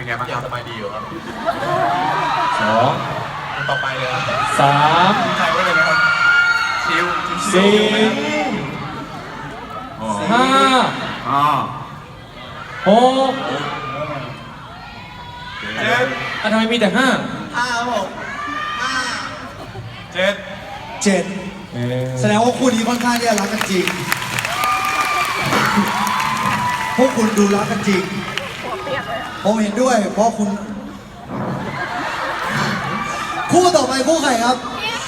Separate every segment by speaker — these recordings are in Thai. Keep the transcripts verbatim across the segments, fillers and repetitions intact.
Speaker 1: เป็นไงบ้างครับสบายดีอยู่ครับ
Speaker 2: สอง
Speaker 1: ต่อไปเลยครับ
Speaker 2: สาม
Speaker 1: ใครไว้เลยไหมครับชิว
Speaker 2: สี่ห้า
Speaker 1: อ๋อ
Speaker 2: หก
Speaker 1: เจ็ด
Speaker 2: อ่ะทำไมมีแต่ห้า
Speaker 1: ห้าครับผมห้าเจ็ด
Speaker 3: เจ็ดแสดงว่าคู่นี้ค่อนข้างที่จะรักกันจริงพวกคุณดูรักกันจริงผมเห็นด้วยเพราะคุณคู่ต่อไปคู่ใครครับ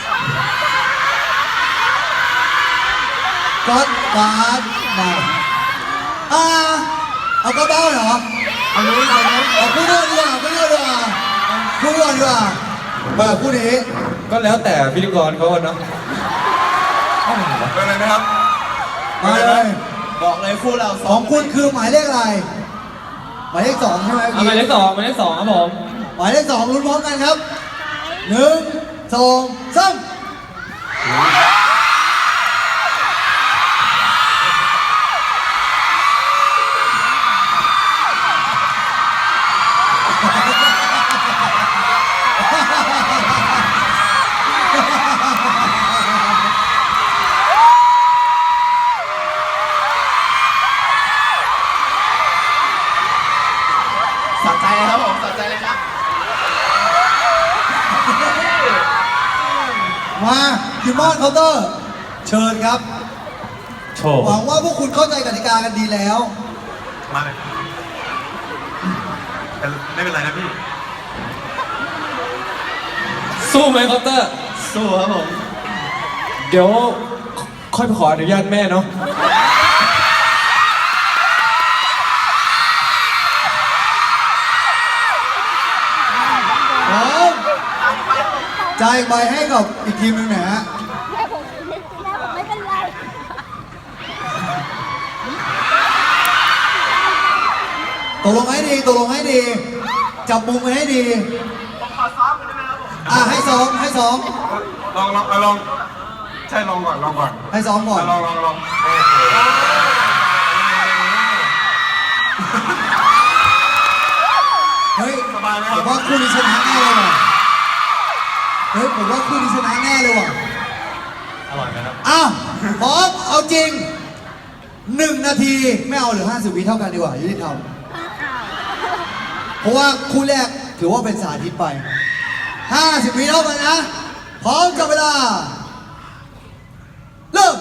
Speaker 3: ก๊อตฟาสมาอ่าเอาก็เบ้าเหรอ
Speaker 1: เอานู้นเอานู้น
Speaker 3: เอาคู่นู้นดีกว่าคู่นู้นดีกว่าคู่นู้นดีกว่ามาคู่นี้
Speaker 2: ก็แล้วแต่พิธีกรเขาเนาะ
Speaker 1: เป็นไรไหมครับ
Speaker 3: มาเลย
Speaker 1: บอกเลยคู่เรา
Speaker 3: สองคุณคือหมายเลขอะไรหมายเลขสองใช่ไหม
Speaker 2: หมายเลขสองหมายเลขสองครับผม
Speaker 3: หมายเลขสองลุ้นพร้อมกันครับหนึ่งสองสาม
Speaker 1: สะใจเลยครับผมสะใจเลยครับ
Speaker 3: มาคิมมอนเคาน์เตอร์เชิญครับ
Speaker 2: โชว์
Speaker 3: หวังว่าพวกคุณเข้าใจกติกากันดีแล้ว
Speaker 1: มาเลยไม่เป็นไรนะพี่
Speaker 2: สู้ไหมคอปเตอร์
Speaker 1: สู้ครับผม
Speaker 2: เดี๋ยวค่อยไปขออนุญาตแม่เนาะ
Speaker 3: จ่ายใบให้กับอีกทีมหนึ่งนะฮะ
Speaker 4: แม่ผมแม่ผมไม่เป็นไร
Speaker 3: ตกลงให้ดีตกลงให้ดีจับมุมกันให้ดี
Speaker 1: ผมขอซ้อมกันได้ไหมครับผม
Speaker 3: อ่ะให้ซ้อมให้ซ้อม
Speaker 1: ลองลองลองใช่ลองก่อนลองก่อน
Speaker 3: ให้ซ้อมก่อน
Speaker 1: ลองลองลอง
Speaker 3: เฮ้ย
Speaker 1: สบายไหมค
Speaker 3: ผ
Speaker 1: รับ
Speaker 3: มว่าคู่นี้ชนะแน่เลยว่ะเฮ้ยผมว่าคู่นี้ชนะแน่เลยว่ะ
Speaker 1: อร่อยไหมครับ
Speaker 3: อ้าวพร้อมเอาจริงหนึ่งนาทีไม่เอาหรือห้าสิบวิเท่ากันดีกว่ายุติธรรมเพราะว่าคู่แรกถือว่าเป็นสาธิตไปห้าสิบวิเท่ากันนะพร้อมจับเวลาเริ่ม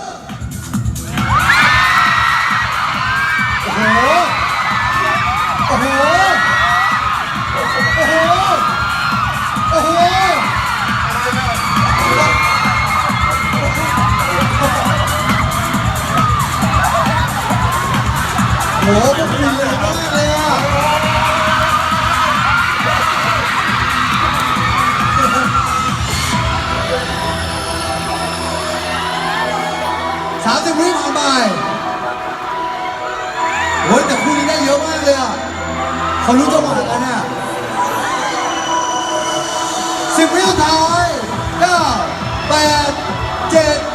Speaker 3: โอ้โหโอ้โหโอ้โหโอ้โหโอ้โหพวกคุณเลยมากเลยอ่ะสามสิบวิผ่านไปโอ้ยแต่คู่นี้ได้เยอะมากเลยอ่ะเขารู้จังหวะกันอ่ะสิบวิสุดท้ายเก้าแปดเจ็ด